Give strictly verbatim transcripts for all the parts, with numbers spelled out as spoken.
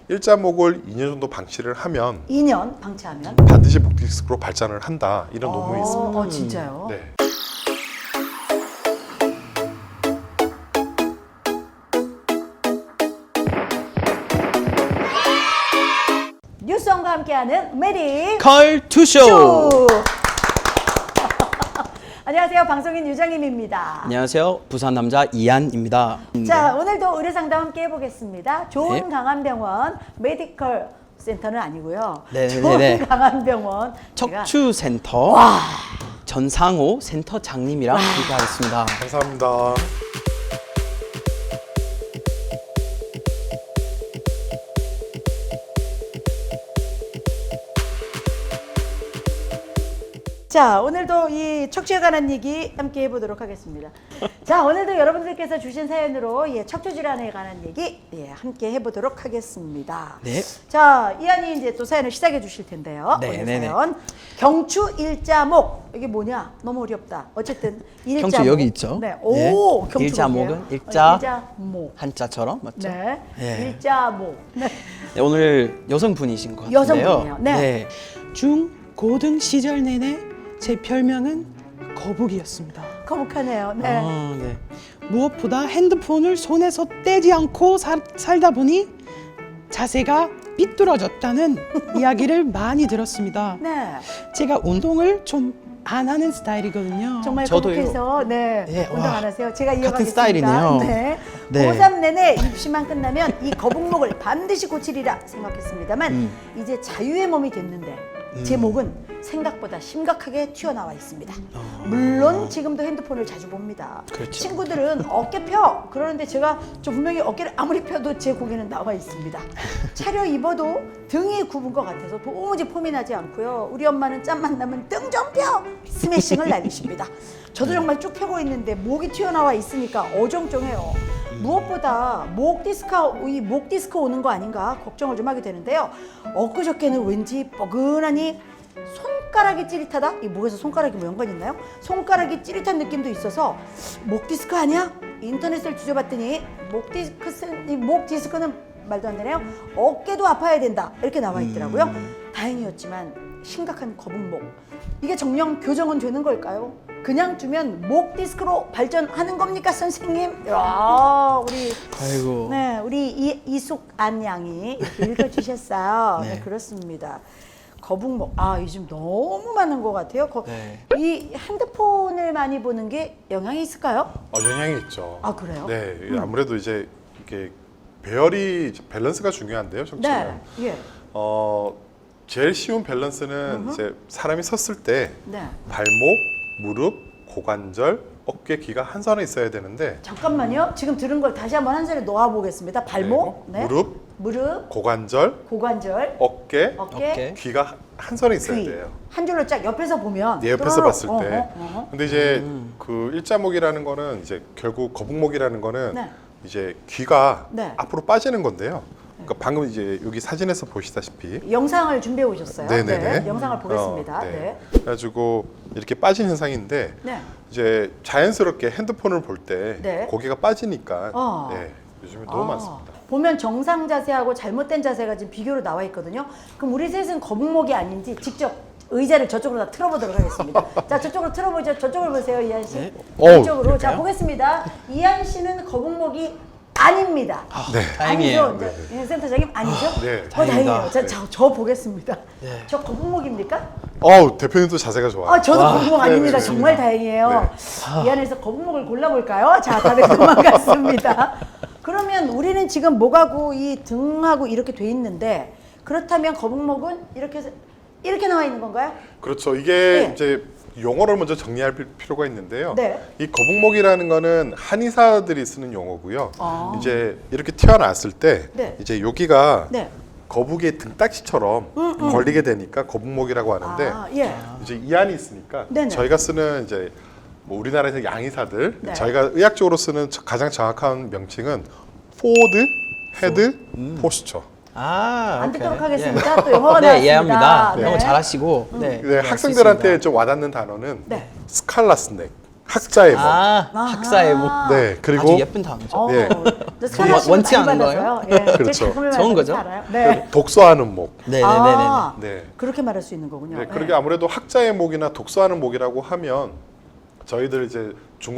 일자목을 이 년 정도 방치를 하면 이 년 방치하면 반드시 목 디스크로 발전을 한다. 이런 논문이 어, 있습니다. 어, 진짜요? 네. 뉴스원과 함께하는 메디 컬투쇼. 쇼. 안녕하세요, 방송인 유정임입니다. 안녕하세요, 부산 남자 이한입니다. 자, 오늘도 의료상담 함께 해보겠습니다. 좋은 네. 강한병원 메디컬 센터는 아니고요. 네네네. 좋은 강한병원 제가 척추센터 전상호 센터장님이랑 함께하겠습니다. 감사합니다. 자, 오늘도 이 척추에 관한 얘기 함께 해보도록 하겠습니다. 자, 오늘도 여러분들께서 주신 사연으로 예, 척추 질환에 관한 얘기 예, 함께 해보도록 하겠습니다. 네. 자, 이한이 이제 또 사연을 시작해 주실 텐데요. 네, 오늘 네, 네. 사연 경추 일자목 이게 뭐냐? 너무 어렵다. 어쨌든 일자목. 경추 여기 있죠? 네. 오, 네. 경추 일자목은 뭐예요? 일자, 어, 일자목. 한자처럼 맞죠? 네. 예. 일자목. 네. 네, 오늘 여성분이신 것 같은데요. 여성분이에요. 네. 중 고등 시절 내내 제 별명은 거북이였습니다. 거북하네요. 네. 아, 네. 무엇보다 핸드폰을 손에서 떼지 않고 살, 살다 보니 자세가 삐뚤어졌다는 이야기를 많이 들었습니다. 네. 제가 운동을 좀 안 하는 스타일이거든요. 정말 저도요. 거북해서 네, 네, 운동 와, 안 하세요. 제가 이어가겠습니다. 스타일이네요. 네. 네. 고삼 내내 입시만 끝나면 이 거북목을 반드시 고치리라 생각했습니다만 음. 이제 자유의 몸이 됐는데 제 목은 생각보다 심각하게 튀어나와 있습니다. 물론 지금도 핸드폰을 자주 봅니다. 그렇죠. 친구들은 어깨 펴 그러는데 제가 저 분명히 어깨를 아무리 펴도 제 고개는 나와 있습니다. 차려 입어도 등이 굽은 것 같아서 도무지 폼이 나지 않고요. 우리 엄마는 짬만 나면 등 좀 펴! 스매싱을 날리십니다. 저도 정말 쭉 펴고 있는데 목이 튀어나와 있으니까 어정쩡해요. 무엇보다 목 디스크, 이 목 디스크 오는 거 아닌가 걱정을 좀 하게 되는데요. 엊그저께는 왠지 뻐근하니 손가락이 찌릿하다? 이 목에서 손가락이 뭐 연관 있나요? 손가락이 찌릿한 느낌도 있어서 목 디스크 아니야? 인터넷을 뒤져봤더니 목 디스크, 목 디스크는 말도 안 되네요. 어깨도 아파야 된다 이렇게 나와 있더라고요. 음. 다행이었지만 심각한 거북목. 이게 정령 교정은 되는 걸까요? 그냥 두면 목 디스크로 발전하는 겁니까, 선생님? 야, 우리 아이고. 네, 우리 이, 이숙안 양이 이렇게 읽어주셨어요. 네. 네. 그렇습니다. 거북목, 아 요즘 너무 많은 것 같아요. 거, 네. 이 핸드폰을 많이 보는 게 영향이 있을까요? 어, 영향이 있죠. 아, 그래요? 네, 아무래도 이제 이게 배열이 밸런스가 중요한데요, 척추는. 네, 예, 어, 제일 쉬운 밸런스는 이제 사람이 섰을 때 네. 발목, 무릎, 고관절, 어깨, 귀가 한 선에 있어야 되는데 잠깐만요. 지금 들은 걸 다시 한번 한 자리에 놓아 보겠습니다. 발목, 네, 무릎, 무릎, 고관절, 고관절, 어깨, 어깨, 어깨. 귀가 한 선에 있어야 귀. 돼요. 한 줄로 쫙 옆에서 보면 네, 옆에서 또로록, 봤을 때. 어허, 어허. 근데 이제 그 일자목이라는 거는 이제 결국 거북목이라는 거는 네. 이제 귀가 네. 앞으로 빠지는 건데요. 그러니까 방금 이제 여기 사진에서 보시다시피 영상을 준비해 오셨어요. 네네네. 네, 영상을 보겠습니다. 어, 네. 그래가지고 이렇게 빠진 현상인데 네. 이제 자연스럽게 핸드폰을 볼 때 네. 고개가 빠지니까 어. 네, 요즘에 너무 아, 많습니다. 보면 정상 자세하고 잘못된 자세가 지금 비교로 나와 있거든요. 그럼 우리 셋은 거북목이 아닌지 직접 의자를 저쪽으로 다 틀어보도록 하겠습니다. 자, 저쪽으로 틀어보죠. 저쪽을 보세요, 이한 씨. 네. 이쪽으로. 오, 자, 그럴까요? 보겠습니다. 이한 씨는 거북목이 아닙니다. 네. 다행이에요. 아니죠? 네. 센터장님 아니죠? 네. 어, 다행이다. 다행이에요. 자, 저, 저 보겠습니다. 네. 저 거북목입니까? 어우, 대표님도 자세가 좋아요. 아, 저도 거북목 아닙니다. 네, 네, 정말 네. 다행이에요. 이 안에서 거북목을 골라볼까요? 자, 다들 도망갔습니다. 그러면 우리는 지금 목하고 이 등하고 이렇게 돼 있는데 그렇다면 거북목은 이렇게 해서 이렇게 나와 있는 건가요? 그렇죠. 이게 네. 이제 용어를 먼저 정리할 필- 필요가 있는데요. 네. 이 거북목이라는 거는 한의사들이 쓰는 용어고요. 아. 이제 이렇게 태어났을 때 네. 이제 여기가 네. 거북이의 등딱지처럼 걸리게 되니까 거북목이라고 하는데 아, 예. 이제 이안이 있으니까 네네. 저희가 쓰는 이제 뭐 우리나라에서 양의사들 네. 저희가 의학적으로 쓰는 저- 가장 정확한 명칭은 포워드 헤드 포스처. 아, 안 오케이. 듣도록 예. 하겠습니다. 또 영어가 네, 나왔습니다. 이해합니다. 네. 너무 잘하시고. 네. 네, 이해할 수 학생들한테 있습니다. 좀 와닿는 단어는 네. 스칼라스넥, 학자의 목. 아, 아하. 학사의 목. 네, 그리고 아주 예쁜 단어죠. 어, 예. 저 스카라 씨는 원치 많이 않은 받아서요. 예. 그렇죠. 제 작품을 좋은 많이 거죠? 알아요. 네. 독서하는 목. 네네네네. 아, 네. 그렇게 말할 수 있는 거군요. 네, 예. 그러게 아무래도 학자의 목이나 독서하는 목이라고 하면 저희들 이제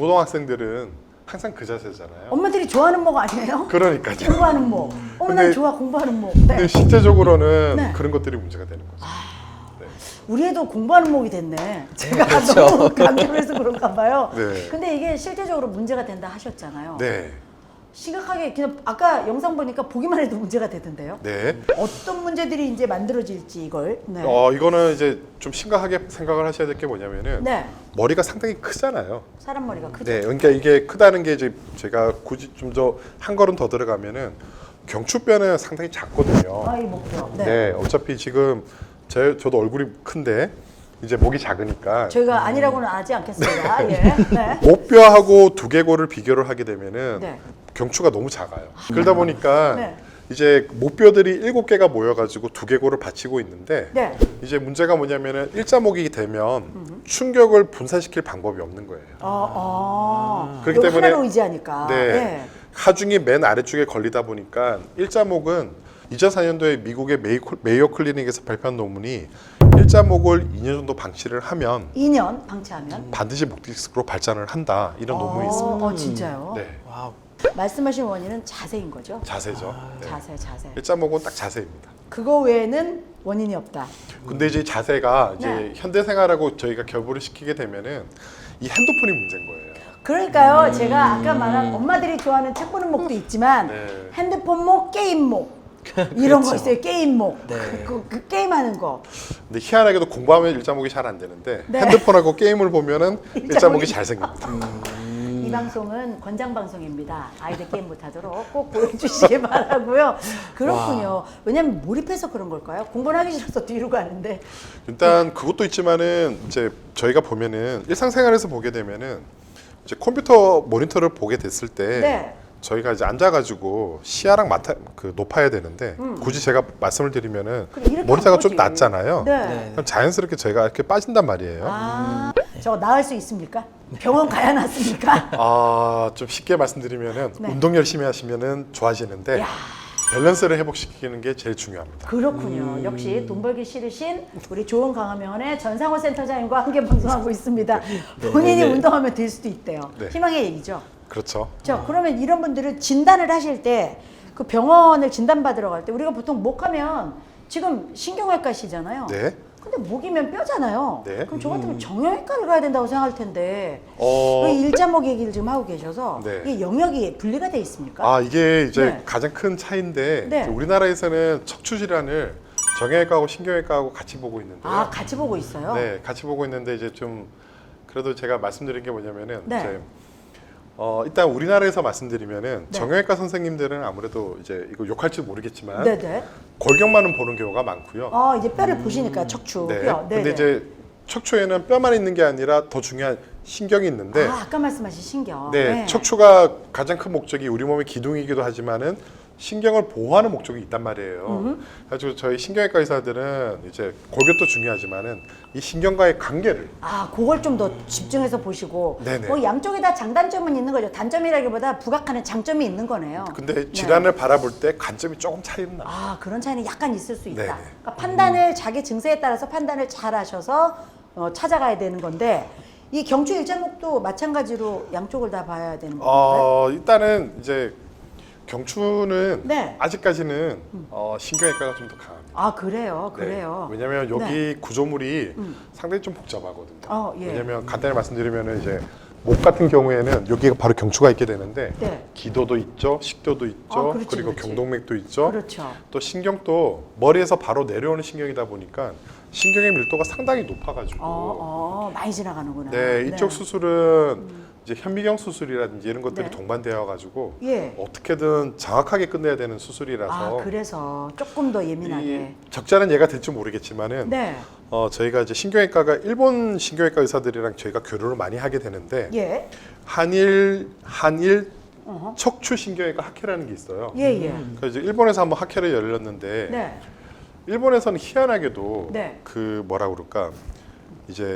중고등학생들은 항상 그 자세잖아요. 엄마들이 좋아하는 목 아니에요? 그러니까요. 공부하는 목. 어, 난 근데- 좋아 공부하는 목. 근데 네. 실제적으로는 네. 그런 것들이 문제가 되는 거죠. 네. 우리 애도 공부하는 목이 됐네. 제가 그렇죠. 너무 강조해서 그런가 봐요. 네. 근데 이게 실제적으로 문제가 된다 하셨잖아요. 네. 심각하게 그냥 아까 영상 보니까 보기만 해도 문제가 되던데요. 네. 어떤 문제들이 이제 만들어질지 이걸. 네. 어, 이거는 이제 좀 심각하게 생각을 하셔야 될 게 뭐냐면은 네. 머리가 상당히 크잖아요. 사람 머리가 크죠. 네. 그러니까 이게 크다는 게 이제 제가 굳이 좀 더 한 걸음 더 들어가면은 경추뼈는 상당히 작거든요. 아, 이 목표. 네. 네. 어차피 지금 제 저도 얼굴이 큰데 이제 목이 작으니까 저희가 아니라고는 하지 않겠습니다. 예. 네. 목뼈하고 두개골을 비교를 하게 되면은 네. 경추가 너무 작아요. 그러다 보니까 네. 이제 목뼈들이 일곱 개가 모여가지고 두개골을 받치고 있는데 네. 이제 문제가 뭐냐면은 일자목이 되면 충격을 분산시킬 방법이 없는 거예요. 어, 어. 그렇기 이거 때문에- 하나로 의지하니까. 네. 예. 하중이 맨 아래쪽에 걸리다 보니까 일자목은 이천사 년도에 미국의 메이, 메이어 클리닉에서 발표한 논문이 일자목을 이 년 정도 방치를 하면 이 년 방치하면. 반드시 목디스크로 발전을 한다 이런 논문이 있습니다. 어, 어, 진짜요? 네, 와우. 말씀하신 원인은 자세인 거죠? 자세죠. 아, 네. 자세, 자세. 일자목은 딱 자세입니다. 그거 외에는 원인이 없다. 근데 이제 자세가 이제 네. 현대 생활하고 저희가 결부를 시키게 되면은 이 핸드폰이 문제인 거예요. 그러니까요, 제가 아까 말한 엄마들이 좋아하는 책 보는 목도 있지만 네. 핸드폰 목, 게임 목 이런 거 그렇죠. 있어요. 게임 목, 네. 그, 그, 그 게임하는 거. 근데 희한하게도 공부하면 일자목이 잘 안 되는데 네. 핸드폰하고 게임을 보면은 일자목이- 일자목이 잘 생깁니다. 이 방송은 권장 방송입니다. 아이들 게임 못하도록 꼭 보여주시기 바라고요. 그렇군요. 왜냐하면 몰입해서 그런 걸까요? 공부를 하기 싫어서 뒤로 가는데. 일단 그것도 있지만은 이제 저희가 보면은 일상생활에서 보게 되면은 이제 컴퓨터 모니터를 보게 됐을 때 네. 저희가 이제 앉아가지고 시야랑 맡아 그 높아야 되는데 굳이 제가 말씀을 드리면은 그래, 이렇게 모니터가 안 좀 보지. 낮잖아요. 네. 네. 그럼 자연스럽게 저희가 이렇게 빠진단 말이에요. 아, 저거 나을 수 있습니까? 병원 가야 낫습니까? 아, 좀 쉽게 말씀드리면은 네. 운동 열심히 하시면은 좋아지는데 야. 밸런스를 회복시키는 게 제일 중요합니다. 그렇군요. 역시 돈 벌기 싫으신 우리 좋은 강화명원의 전상호 센터장님과 함께 방송하고 있습니다. 본인이 네, 네. 운동하면 될 수도 있대요. 네. 희망의 얘기죠. 그렇죠. 자, 그러면 이런 분들은 진단을 하실 때 그 병원을 진단받으러 갈 때 우리가 보통 목하면 지금 신경외과시잖아요. 네. 근데 목이면 뼈잖아요. 네. 그럼 저 같으면 정형외과를 가야 된다고 생각할 텐데 어, 왜 일자목 얘기를 지금 하고 계셔서 네. 이게 영역이 분리가 돼 있습니까? 아, 이게 이제 네. 가장 큰 차이인데 네. 이제 우리나라에서는 척추 질환을 정형외과하고 신경외과하고 같이 보고 있는데요. 아, 같이 보고 있어요? 네, 같이 보고 있는데 이제 좀 그래도 제가 말씀드린 게 뭐냐면은 네. 이제 어, 일단 우리나라에서 말씀드리면은 네. 정형외과 선생님들은 아무래도 이제 이거 욕할지 모르겠지만 네네. 골격만은 보는 경우가 많고요. 아, 이제 뼈를 보시니까 척추 네. 뼈. 근데 이제 척추에는 뼈만 있는 게 아니라 더 중요한 신경이 있는데 아, 아까 말씀하신 신경. 네, 척추가 가장 큰 목적이 우리 몸의 기둥이기도 하지만은 신경을 보호하는 목적이 있단 말이에요. 그래서 저희 신경외과 의사들은 이제 골격도 중요하지만은 이 신경과의 관계를 아, 그걸 좀 더 집중해서 보시고. 네네. 뭐 양쪽에 다 장단점은 있는 거죠. 단점이라기보다 부각하는 장점이 있는 거네요. 근데 질환을 바라볼 때 관점이 조금 차이는 나요. 아, 그런 차이는 약간 있을 수 있다. 네네. 그러니까 판단을 자기 증세에 따라서 판단을 잘 하셔서 어, 찾아가야 되는 건데 이 경추 일자목도 마찬가지로 양쪽을 다 봐야 되는 건가요? 어, 일단은 이제 경추는 네. 아직까지는 어, 신경외과가 좀 더 강합니다. 아, 그래요. 네. 그래요. 왜냐하면 여기 네. 구조물이 음. 상당히 좀 복잡하거든요. 어, 예. 왜냐하면 간단히 말씀드리면 이제 목 같은 경우에는 여기가 바로 경추가 있게 되는데 네. 기도도 있죠, 식도도 있죠, 아, 그렇지, 그리고 그렇지. 경동맥도 있죠. 그렇죠. 또 신경도 머리에서 바로 내려오는 신경이다 보니까 신경의 밀도가 상당히 높아가지고 어, 어, 많이 지나가는구나. 네, 이쪽 수술은 이제 현미경 수술이라든지 이런 것들이 네. 동반되어 가지고 예. 어떻게든 정확하게 끝내야 되는 수술이라서 아, 그래서 조금 더 이 예민하게. 적절한 예가 될지 모르겠지만은 네. 어, 저희가 이제 신경외과가 일본 신경외과 의사들이랑 저희가 교류를 많이 하게 되는데 예. 한일 한일 어허. 척추 신경외과 학회라는 게 있어요. 예, 예. 그래서 이제 일본에서 한번 학회를 열렸는데 네. 일본에서는 희한하게도 네. 그 뭐라 그럴까 이제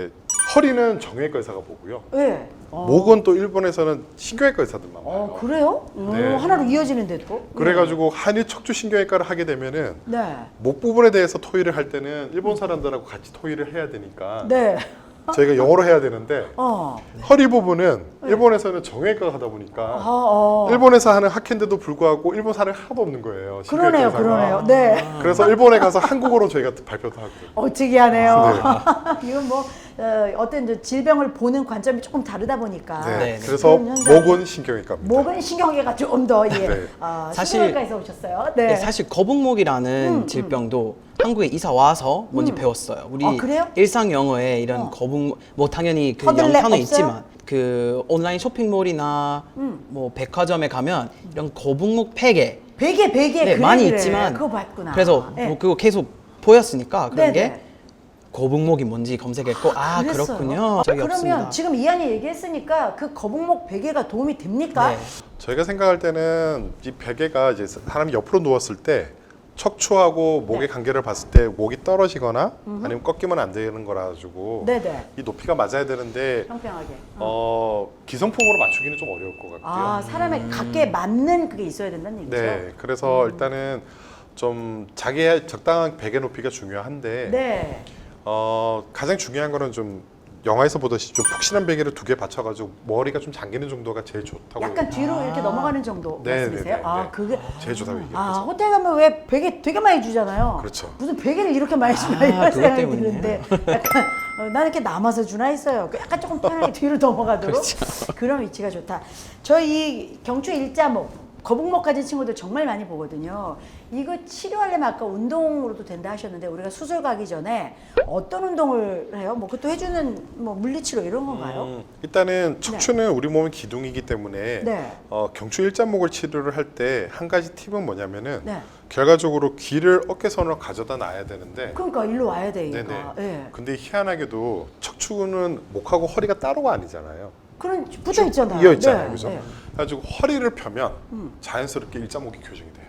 허리는 정형외과 의사가 보고요. 네. 어. 목은 또 일본에서는 신경외과 의사들만 봐요. 어, 그래요? 오, 네. 하나로 이어지는데 또? 그래가지고 한일 척추 신경외과를 하게 되면은 네. 목 부분에 대해서 토의를 할 때는 일본 사람들하고 같이 토의를 해야 되니까 네. 저희가 영어로 해야 되는데 어. 허리 부분은 일본에서는 정형외과가 하다 보니까 아, 어. 일본에서 하는 학회인데도 불구하고 일본 사람이 하나도 없는 거예요. 그러네요, 신경외과 그러네요. 의사가. 네. 그래서 일본에 가서 한국어로 저희가 발표도 하거든요. 어, 특이하네요. 이건 뭐 어, 어떤 이제 질병을 보는 관점이 조금 다르다 보니까 네. 네, 네. 그래서 그런 현상이- 목은 신경외과입니다. 목은 신경외가 좀 더 예. 네. 어, 사실- 신경외과에서 오셨어요. 네. 네, 사실 거북목이라는 음, 질병도 한국에 이사 와서 뭔지 음. 배웠어요. 우리 아, 그래요? 일상 영어에 이런 어. 거북 뭐 당연히 그 허들렛 영타는 없어요? 있지만 그 온라인 쇼핑몰이나 음. 뭐 백화점에 가면 이런 거북목 베개 베개 베개 네, 그래, 많이 그래. 있지만 그거 봤구나. 그래서 네. 뭐 그거 계속 보였으니까 그런 네네. 게 거북목이 뭔지 검색했고 아, 그랬어요? 그렇군요. 적이 그러면 없습니다. 지금 이한이 얘기했으니까 그 거북목 베개가 도움이 됩니까? 네. 저희가 생각할 때는 이 베개가 이제 사람이 옆으로 누웠을 때 척추하고 목의 네. 관계를 봤을 때 목이 떨어지거나 아니면 꺾이면 안 되는 거라 가지고 네네. 이 높이가 맞아야 되는데 평평하게. 어. 어, 기성품으로 맞추기는 좀 어려울 것 같고요. 아 사람의 각게 맞는 그게 있어야 된다는 얘기죠. 네, 그래서 일단은 좀 자기의 적당한 베개 높이가 중요한데 네. 어, 가장 중요한 거는 좀 영화에서 보듯이 좀 푹신한 베개를 두 개 받쳐가지고 머리가 좀 잠기는 정도가 제일 좋다고. 약간 뒤로 이렇게 넘어가는 정도 네, 말씀이세요? 네, 네, 아 네. 그게 제일 좋다고 아 얘기해요. 호텔 가면 왜 베개 되게 많이 주잖아요. 그렇죠. 무슨 베개를 이렇게 많이 주나 아, 이런 그것 생각이 때문에. 드는데 약간 어, 나는 이렇게 남아서 주나 했어요. 약간 조금 편하게 뒤로 넘어가도록 그렇죠. 그런 위치가 좋다. 저희 경추 일자목 거북목 가진 친구들 정말 많이 보거든요. 이거 치료하려면 아까 운동으로도 된다 하셨는데 우리가 수술 가기 전에 어떤 운동을 해요? 뭐 그것도 해주는 뭐 물리치료 이런 건가요? 음, 일단은 척추는 우리 몸의 기둥이기 때문에 네. 어, 경추 일자목을 치료를 할 때 한 가지 팁은 뭐냐면은 네. 결과적으로 귀를 어깨선으로 가져다 놔야 되는데 그러니까 일로 와야 되니까. 네네. 예. 근데 희한하게도 척추는 목하고 허리가 따로가 아니잖아요. 그런 붙어 있잖아요. 이어 있잖아요, 네, 그죠? 네. 그래가지고 허리를 펴면 음. 자연스럽게 일자목이 교정이 돼요.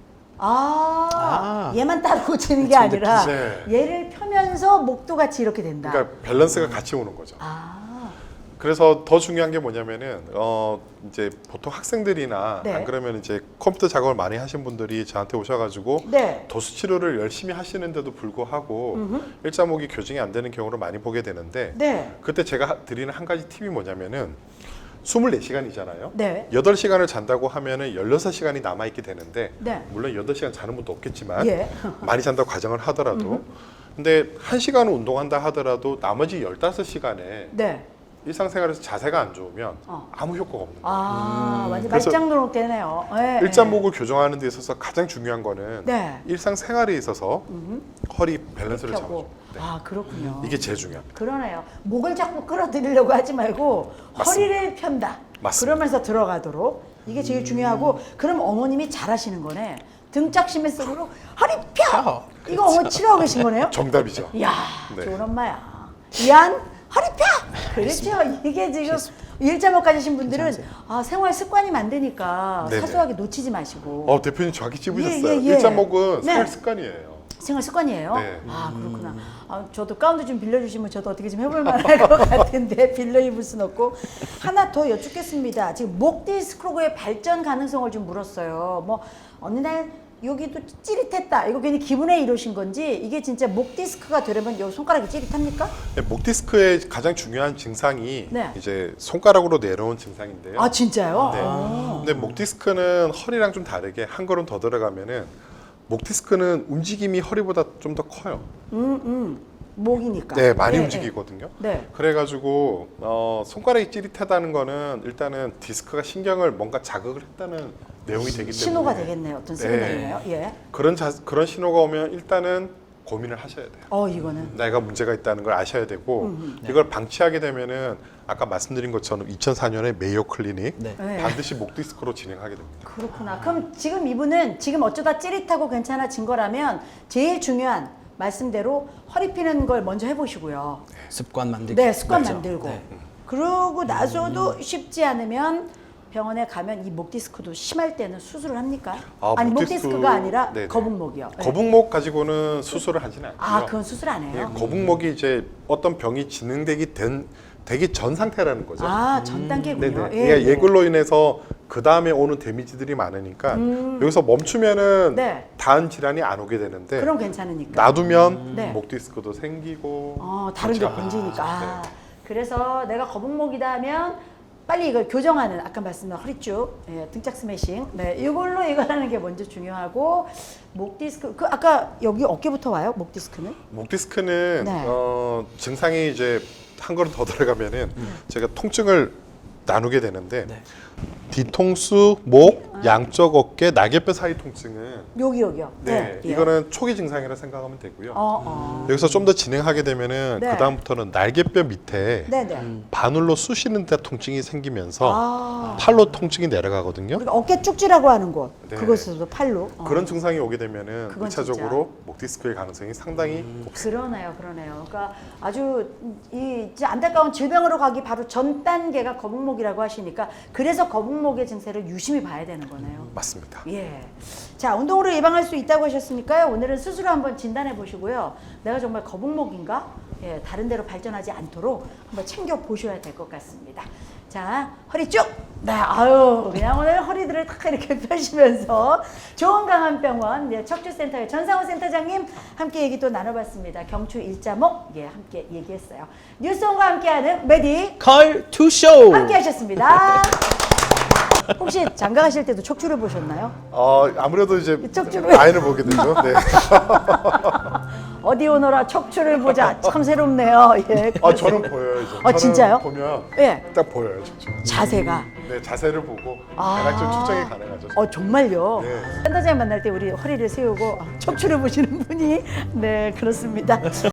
아, 아. 얘만 따로 치는 게 아니라 네. 얘를 펴면서 목도 같이 이렇게 된다. 그러니까 밸런스가 같이 오는 거죠. 아, 그래서 더 중요한 게 뭐냐면은 어 이제 보통 학생들이나 네. 안 그러면 이제 컴퓨터 작업을 많이 하신 분들이 저한테 오셔가지고 네. 도수 치료를 열심히 하시는데도 불구하고 음흠. 일자목이 교정이 안 되는 경우를 많이 보게 되는데 네. 그때 제가 하- 드리는 한 가지 팁이 뭐냐면은 스물네 시간이잖아요. 네. 여덟 시간을 잔다고 하면은 열여섯 시간이 남아 있게 되는데 네. 물론 여덟 시간 자는 분도 없겠지만 예. 많이 잔다고 가정을 하더라도 근데 한 시간을 운동한다 하더라도 나머지 열다섯 시간에 네. 일상생활에서 자세가 안 좋으면 어. 아무 효과가 없는 거예요. 아, 완전 그래서 말짱도록 되네요. 네. 일자목을 교정하는 데 있어서 가장 중요한 거는 네. 일상생활에 있어서 허리 밸런스를 펴고. 잡아줘. 네. 아, 그렇군요. 이게 제일 중요합니다. 그러네요. 목을 자꾸 끌어들이려고 하지 말고 맞습니다. 허리를 편다. 맞습니다. 그러면서 들어가도록 이게 제일 중요하고 그럼 어머님이 잘하시는 거네. 등짝 심했으므로 허리 펴. 펴. 이거 어머니 치료하고 계신 거네요. 정답이죠. 이야, 네. 좋은 엄마야. 이한 허리 펴. 그렇죠. 이게 지금 일자목 가지신 분들은 괜찮으세요? 아, 생활 습관이 만드니까 네네. 사소하게 놓치지 마시고. 어 대표님 정확히 찝으셨어요. 예, 예, 예. 일자목은 네. 생활 습관이에요. 생활 습관이에요? 네. 아 그렇구나. 아, 저도 가운도 좀 빌려주시면 저도 어떻게 좀 해볼 만할 것 같은데 빌려 입을 순 없고 하나 더 여쭙겠습니다. 지금 목 디스크로그의 발전 가능성을 좀 물었어요. 뭐 어느 날 여기도 찌릿했다. 이거 괜히 기분에 이러신 건지 이게 진짜 목 디스크가 되려면 여기 손가락이 찌릿합니까? 네, 목 디스크의 가장 중요한 증상이 네. 이제 손가락으로 내려온 증상인데요. 아 진짜요? 네. 아. 근데 목 디스크는 허리랑 좀 다르게 한 걸음 더 들어가면은 목 디스크는 움직임이 허리보다 좀 더 커요. 음, 음. 목이니까. 네, 많이 네, 움직이거든요. 네. 그래가지고 어, 손가락이 찌릿하다는 거는 일단은 디스크가 신경을 뭔가 자극을 했다는 내용이 되기 때문에 신호가 되겠네요. 어떤 시그널이네요. 예. 그런 자, 그런 신호가 오면 일단은 고민을 하셔야 돼요. 어 이거는. 내가 문제가 있다는 걸 아셔야 되고 음, 이걸 방치하게 되면은 아까 말씀드린 것처럼 이천사 년에 메이오 클리닉 네. 네. 반드시 목 디스크로 진행하게 됩니다. 그렇구나. 그럼 지금 이분은 지금 어쩌다 찌릿하고 괜찮아진 거라면 제일 중요한 말씀대로 허리 피는 걸 먼저 습관 만들기. 네, 습관 맞죠? 만들고. 네. 그러고 나서도 쉽지 않으면 병원에 가면 이 목 디스크도 심할 때는 수술을 합니까? 아, 아니 목 목 디스크- 디스크가 아니라 네네. 거북목이요. 네. 거북목 가지고는 수술을 하지는 않고요. 아, 그건 수술 안 해요. 예, 거북목이 이제 어떤 병이 진행되기 된 되기 전 상태라는 거죠. 아, 전 단계군요. 네네. 예, 그러니까 예. 예글로 인해서 그 다음에 오는 데미지들이 많으니까 여기서 멈추면은 음. 네. 다음 질환이 안 오게 되는데 그럼 괜찮으니까. 놔두면 네. 목 디스크도 생기고 어, 다른 데 그렇죠. 번지니까. 아, 아, 네. 그래서 내가 거북목이다 하면 빨리 이걸 교정하는 아까 말씀드린 허리쭉, 예, 등짝 스매싱. 네, 이걸로 이거 하는 게 먼저 중요하고 목 디스크 그 아까 여기 어깨부터 와요? 목 디스크는? 목 디스크는 네. 어, 증상이 이제 한 걸음 더 들어가면은 제가 통증을 나누게 되는데 네. 뒤통수, 목, 양쪽 어깨, 날개뼈 사이 통증은 여기 여기요. 네, 예. 이거는 초기 증상이라 생각하면 되고요. 어, 어. 여기서 좀 더 진행하게 되면은 네. 그 다음부터는 날개뼈 밑에 네, 네. 바늘로 쑤시는 데 통증이 생기면서 아. 팔로 통증이 내려가거든요. 우리가 어깨 쭉지라고 하는 곳. 네. 그것에도 팔로. 어. 그런 증상이 오게 되면은 그건 일차적으로 목 디스크의 가능성이 상당히 음. 그러네요, 그러네요. 그러니까 아주 이 이제 안타까운 질병으로 가기 바로 전 단계가 거북목이라고 하시니까 그래서 거북목의 증세를 유심히 봐야 되는 거네요. 맞습니다. 예. 자, 운동으로 예방할 수 있다고 하셨으니까요. 오늘은 스스로 한번 진단해 보시고요. 내가 정말 거북목인가? 예, 다른 데로 발전하지 않도록 한번 챙겨 보셔야 될 것 같습니다. 자, 허리 쭉! 네, 아유, 그냥 오늘 허리들을 탁 이렇게 펴시면서 좋은 강한병원 네, 척추센터의 전상훈 센터장님 함께 얘기 또 나눠봤습니다. 경추 일자목, 예, 함께 얘기했어요. 뉴스온과 함께하는 메디 컬 투쇼. 함께 하셨습니다. 혹시 장가 가실 때도 척추를 보셨나요? 어, 아무래도 이제 척추를- 아이를 보게 되죠. 네. 어디 오너라 척추를 보자. 참 새롭네요. 예. 아, 저는 보여요. 이제. 아, 저는 진짜요? 보면 예. 딱 보여요. 척추. 자세가. 네, 자세를 보고 아. 대략 좀 측정이 가능하죠. 어, 정말요? 네. 센터장 만날 때 우리 허리를 세우고 척추를 보시는 분이 네, 그렇습니다.